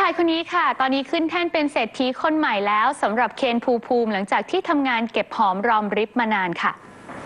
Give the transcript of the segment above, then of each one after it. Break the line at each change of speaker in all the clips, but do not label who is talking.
ายคนนี้ค่ะตอนนี้ขึ้นแท่นเป็นเศรษฐีคนใหม่แล้วสำหรับเคนภูมิหลังจากที่ทำงานเก็บหอมรอมริบมานานค่ะ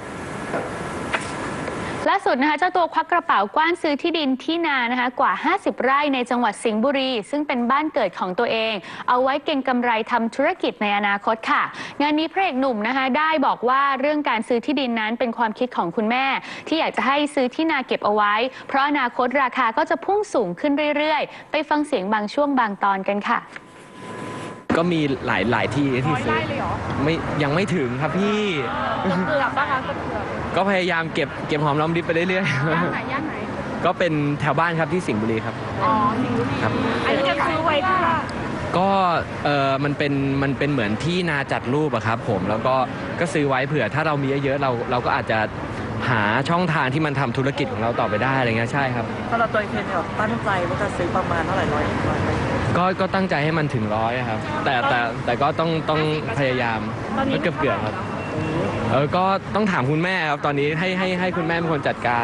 ล่าสุดนะคะเจ้าตัวควักกระเป๋ากว้านซื้อที่ดินที่นานะคะกว่า50 ไร่ในจังหวัดสิงห์บุรีซึ่งเป็นบ้านเกิดของตัวเองเอาไว้เก็งกำไรทำธุรกิจในอนาคตค่ะงานนี้พระเอกหนุ่มนะคะได้บอกว่าเรื่องการซื้อที่ดินนั้นเป็นความคิดของคุณแม่ที่อยากจะให้ซื้อที่นาเก็บเอาไว้เพราะอนาคตราคาก็จะพุ่งสูงขึ้นเรื่อยๆไปฟังเสียงบางช่วงบางตอนกันค่ะ
ก็มีหลายที่ที่ซื้อไม่ยังไม่ถึงครับพี่
เกือบป่ะคะเกือบ
ก็พยายามเก็บหอมรอมริบไปเรื่อยๆย่
านไหน
ก็เป็นแถวบ้านครับที่สิงห์บุรีครับ
อ๋อสิงห์บุรี
ครับ
อันนี้จะซื้อไว้เพื่อ
ก็มันเป็นเหมือนที่นาจัดรูปอะครับผมแล้วก็ซื้อไว้เผื่อถ้าเรามีเยอะๆเราก็อาจจะหาช่องทางที่มันทำธุรกิจของเราต่อไปได้อะไรเงี้ยใช่ครับ
ถ้าเราตัวเองแบบตั้งใจว่าจะซื้อประมาณเท่าไหร่ร้อย
ก็ตั้งใจให้มันถึง100ครับแต่ก็ต้องพยายามก็เกือบครับก็ต้องถามคุณแม่ครับตอนนี้ให้คุณแม่เป็นคนจัดการ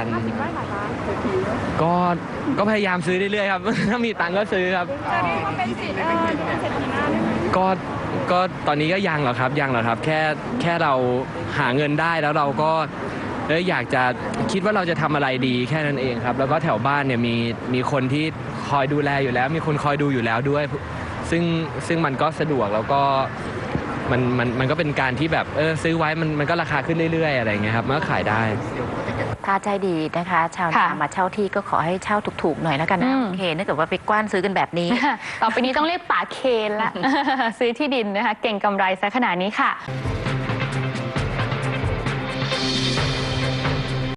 ก็พยายามซื้อเรื่อยๆครับถ้ามีตังค์ก็ซื้อครับ
เป็นสิทธิ์เป็นเศรษฐีหน้า
ก็ตอนนี้ก็ยังหรอกครับแค่เราหาเงินได้แล้วเราก็อยากจะคิดว่าเราจะทำอะไรดีแค่นั้นเองครับแล้วก็แถวบ้านเนี่ยมีคนที่คอยดูแลอยู่แล้วมีคนคอยดูอยู่แล้วด้วยซึ่งมันก็สะดวกแล้วก็มันก็เป็นการที่แบบซื้อไว้มันก็ราคาขึ้นเรื่อยๆอะไรเงี้ยครับมันก็ขายได้
ถ้าใจดีนะคะชาวนามาเช่าที่ก็ขอให้เช่าถูกๆหน่อยแล้วกันนะโอเคถ้าเกิดว่าไปกว้านซื้อกันแบบนี้
ต่อไปนี้ต้องเรียกป๋าเคนละซื้อที่ดินนะคะเก่งกำไรซะขนาดนี้ค่ะ